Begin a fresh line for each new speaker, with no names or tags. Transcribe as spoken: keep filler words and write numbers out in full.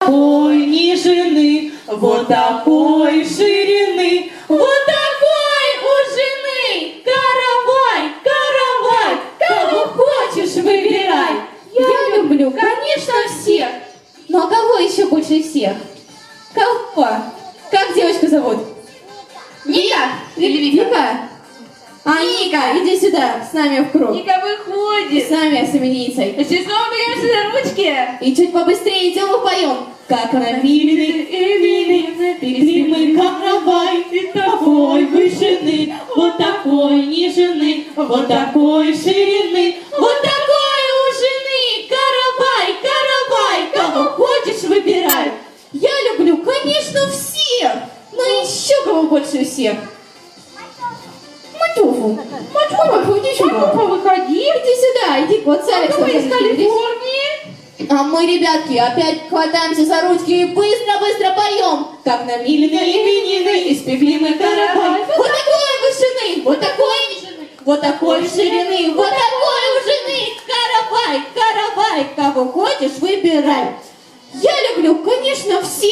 такой нежны, вот такой ширины, вот такой у жены. Каравай, каравай, кого хочешь выбирай. Я люблю, конечно, всех. Ну а кого еще больше всех? Кого? Как девочку зовут? Ника? Или Вика? Вика? А, Ника, иди сюда, с нами в круг.
Ника выходит.
С нами, с именинницей.
Сейчас снова беремся за ручки.
И чуть побыстрее идем и поем. Как напилены Эмили, песли мы каравай, такой вышины, вот такой нежны, вот такой ширины, вот такой у жены. Каравай, каравай, кого хочешь выбирай. Я люблю, конечно, всех, но еще кого больше всех. Матюфу. Матюфу, иди сюда.
Матюфа, выходи.
Иди сюда, иди, вот с Алексом.
Вы из Калифорнии?
А мы, ребятки, опять хватаемся за ручки и быстро-быстро поем. Как намиленные именины, испекли мы каравай. Вот такой вышины, вот такой нежны, вот такой ширины, вот такой у жены. Каравай, каравай, кого хочешь, выбирай. Я люблю, конечно, всех.